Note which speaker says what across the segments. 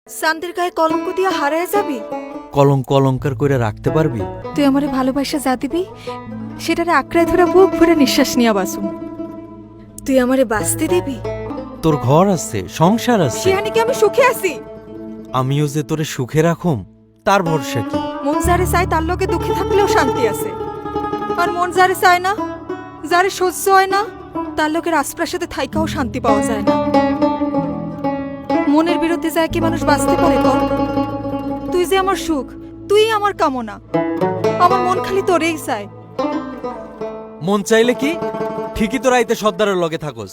Speaker 1: চাঁদের গায়ে কলঙ্ক দিয়া হারায় যাবি?
Speaker 2: কলঙ্ক অলঙ্কার করে রাখতে পারবি?
Speaker 1: তুই আমারে ভালোবাসা যা দিবি সেটারে আঁকড়ায় ধরে বুক ভরে নিঃশ্বাস নিয়া বাসুম। তুই আমারে বাঁচতে দিবি?
Speaker 2: তোর ঘর আছে, সংসার আছে,
Speaker 1: সেখানে কি আমি সুখে আছি?
Speaker 2: আমিও যে তোরে সুখে রাখুম তার ভরসা কি?
Speaker 1: মন যারে চায় তার লগে দুঃখে থাকলেও শান্তি আছে, আর মন যারে চায় না, যারে সহ্য হয় না, তার লোকের আশপ্রাসাদে থাইকাও শান্তি পাওয়া যায় না। মনের বিরুদ্ধে যায় কি মানুষ বাঁচতে পারে কর? তুই যে আমার সুখ, তুই আমার কামনা, আমার মন খালি তোরেই চায়।
Speaker 2: মন চাইলে কি ঠিকই তোরা আইতে সর্দারের লগে থাকস।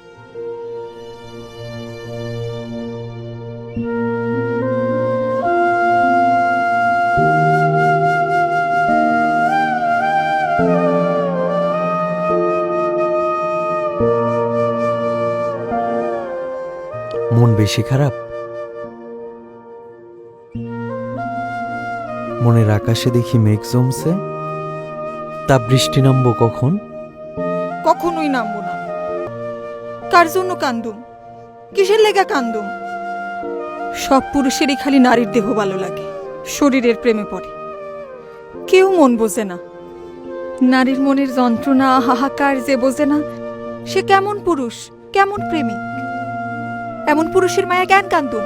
Speaker 2: মন বেশি খারাপ? মনের আকাশে দেখি মেঘ জমছে, তা বৃষ্টি নামবো কখন?
Speaker 1: কখনোই নামবো না। কার জন্য কান্দুম? কিসের লেগা কান্দুম? সব পুরুষেরই খালি নারীর দেহ ভালো লাগে, শরীরের প্রেমে পড়ে। কেউ মন বোঝে না। নারীর মনের যন্ত্রণা হাহাকার যে বোঝে না, সে কেমন পুরুষ, কেমন প্রেমিক? এমন পুরুষের মায়া জ্ঞান কান্দুম।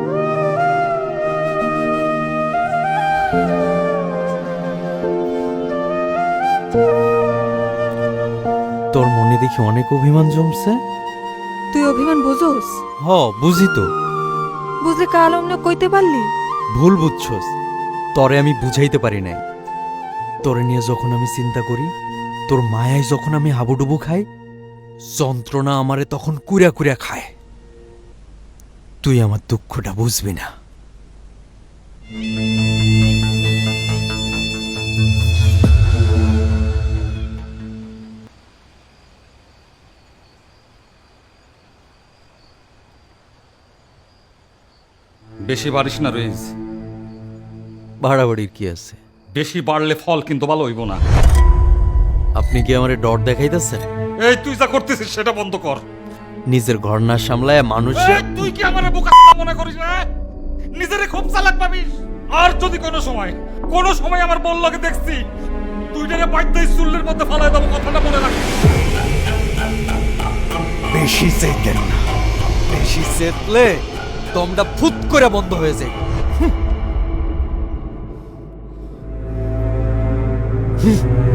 Speaker 2: তোর মনে দেখি অনেক অভিমান জমছে।
Speaker 1: তুই অভিমান বোঝোস?
Speaker 2: হ, বুঝি তো।
Speaker 1: বুঝলে কাল অন্য কইতে পারলি?
Speaker 2: ভুল বুঝছস, তরে আমি বুঝাইতে পারি নাই। তোরে নিয়ে যখন আমি চিন্তা করি, তোর মায়ায় যখন আমি হাবুডুবু খাই, যন্ত্রণা আমারে তখন কুড়া কুড়া খায়। তুই আমার দুঃখটা বুঝবি না।
Speaker 3: বেশি বাড়িস না রইজ।
Speaker 2: বাড়াবাড়ির কি আছে?
Speaker 3: বেশি বাড়লে ফল কিন্তু ভালো হইব না।
Speaker 2: আপনি কি আমারে ডর দেখাইতেছেন?
Speaker 3: এই তুই যা করতেছিস সেটা বন্ধ কর।
Speaker 2: নিজের ঘর না সামলায় মানুষ।
Speaker 3: এই, তুই কি আমারে বোকা মনে করিস না? নিজেরে খুব চালাক ভাবিস। আর যদি কোনো সময় আমার বললকে দেখছি, তুই টাকে বাইতেই চুল্লের মধ্যে ফালাই দেবো, কথাটা মনে রাখিস।
Speaker 2: বেশি চেতেন না, বেশি চেতলে দমটা ফুট করে বন্ধ হয়ে যায়। হুম।